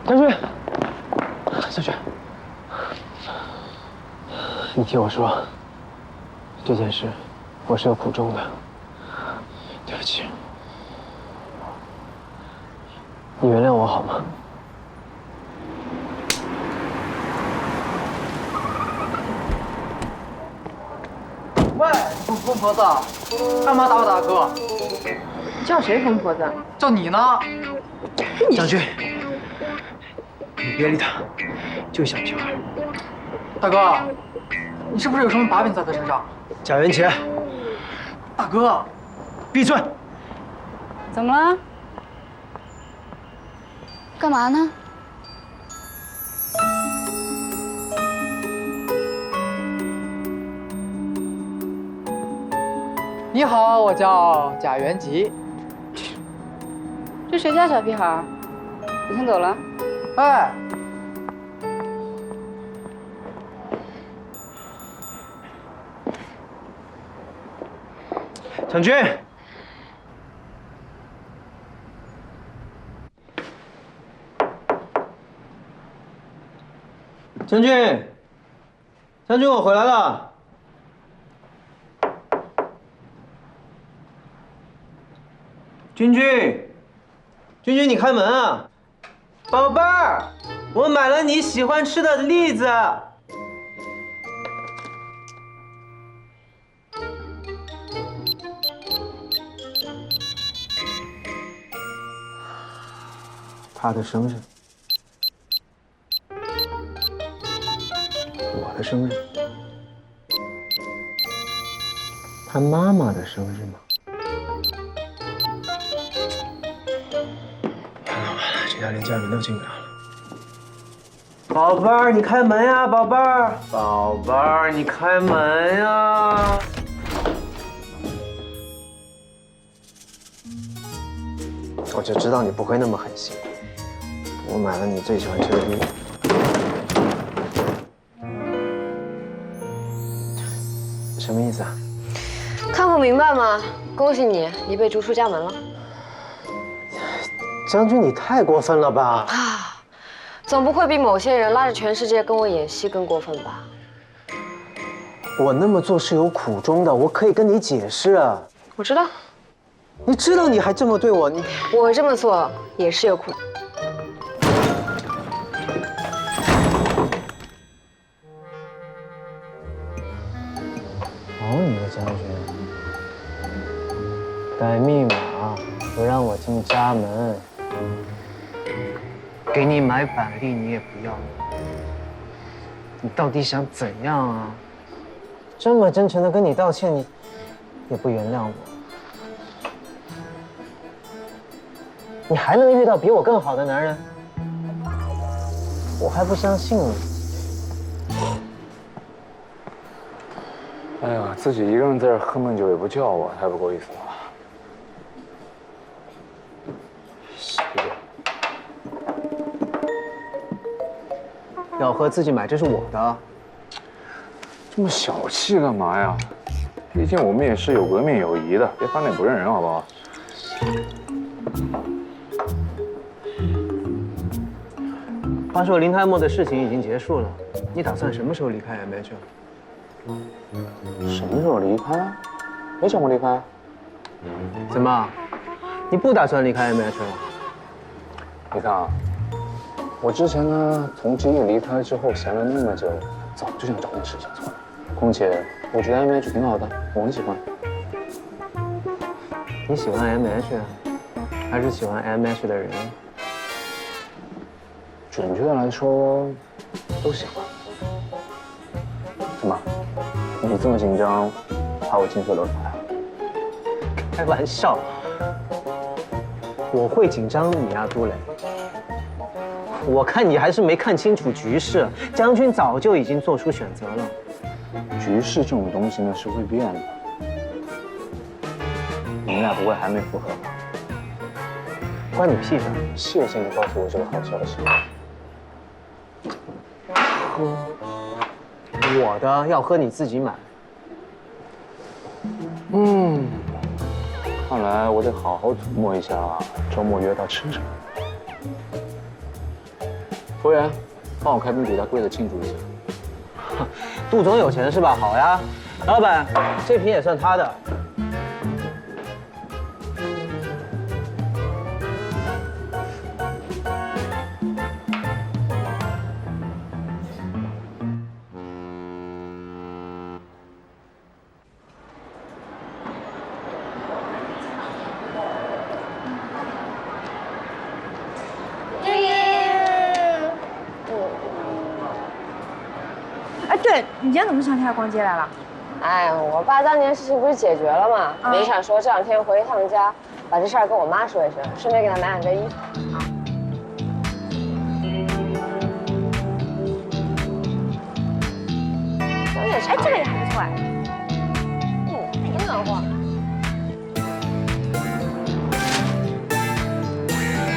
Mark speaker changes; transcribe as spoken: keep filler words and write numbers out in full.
Speaker 1: 将军，将军，你听我说，这件事我是有苦衷的，对不起，你原谅我好吗？
Speaker 2: 喂，疯婆子，干嘛打我大哥？
Speaker 3: 叫谁疯婆子？
Speaker 2: 叫你呢。
Speaker 1: 将军，你别理他，就小屁孩。
Speaker 2: 大哥，你是不是有什么把柄在他身上？
Speaker 1: 贾元杰，
Speaker 2: 大哥，
Speaker 1: 闭嘴！
Speaker 3: 怎么了？干嘛呢？
Speaker 2: 你好，我叫贾元吉。
Speaker 3: 这谁家小屁孩？你先走了。
Speaker 2: 哎，
Speaker 1: 将军，将军，将军，我回来了。君君，君君，你开门啊！宝贝儿，我买了你喜欢吃的栗子。他的生日，我的生日，他妈妈的生日吗？完了完了，这下连家人都进不了了。宝贝儿，你开门呀，宝贝儿！宝贝儿，你开门呀！我就知道你不会那么狠心。我买了你最喜欢吃的栗子。什么意思啊？
Speaker 4: 看不明白吗？恭喜你，你被逐出家门了。
Speaker 1: 将军，你太过分了吧！
Speaker 4: 啊，总不会比某些人拉着全世界跟我演戏更过分吧？
Speaker 1: 我那么做是有苦衷的，我可以跟你解释啊。
Speaker 4: 我知道，
Speaker 1: 你知道你还这么对我，你
Speaker 4: 我这么做也是有苦。
Speaker 1: 好你个将军，改密码不让我进家门，给你买板栗你也不要，你到底想怎样啊？这么真诚的跟你道歉，你也不原谅我，你还能遇到比我更好的男人？我还不相信你。
Speaker 5: 哎呀，自己一个人在这喝闷酒也不叫我，太不够意思了。谢谢。
Speaker 1: 要喝自己买，这是我的。
Speaker 5: 这么小气干嘛呀？毕竟我们也是有革命友谊的，别翻脸不认人，好不好？
Speaker 1: 话说林泰墨的事情已经结束了，你打算什么时候离开 M H？
Speaker 5: 什么时候离开？没想过离开。
Speaker 1: 怎么，你不打算离开 M H 了？
Speaker 5: 你看啊，我之前呢，从吉野离开之后闲了那么久，早就想找点事情做了。况且我觉得 M H 挺好的，我很喜欢。
Speaker 1: 你喜欢 M H， 还是喜欢 M H 的人？
Speaker 5: 准确的来说，都喜欢。怎么？你这么紧张，怕我情绪流出来？
Speaker 1: 开玩笑，我会紧张你啊，杜磊。我看你还是没看清楚局势，将军早就已经做出选择了。
Speaker 5: 局势这种东西呢是会变的，你们俩不会还没复合吧？
Speaker 1: 关你屁事！
Speaker 5: 谢谢你告诉我这个好消息。
Speaker 1: 喝，我的要喝你自己买。
Speaker 5: 嗯，看来我得好好琢磨一下周末约他吃什么。 服务员，帮我开瓶比他贵的庆祝一下。
Speaker 1: 杜总有钱是吧？好呀，老板，这瓶也算他的。
Speaker 6: 哎，对你今天怎么想起来逛街来了？
Speaker 4: 哎，我爸当年事情不是解决了吗？
Speaker 6: 啊
Speaker 4: 没想说这两天回一趟家，把这事儿跟我妈说一声，顺便给她买两件衣服。
Speaker 6: 哎，这个也还不错哎。
Speaker 4: 嗯，挺暖和。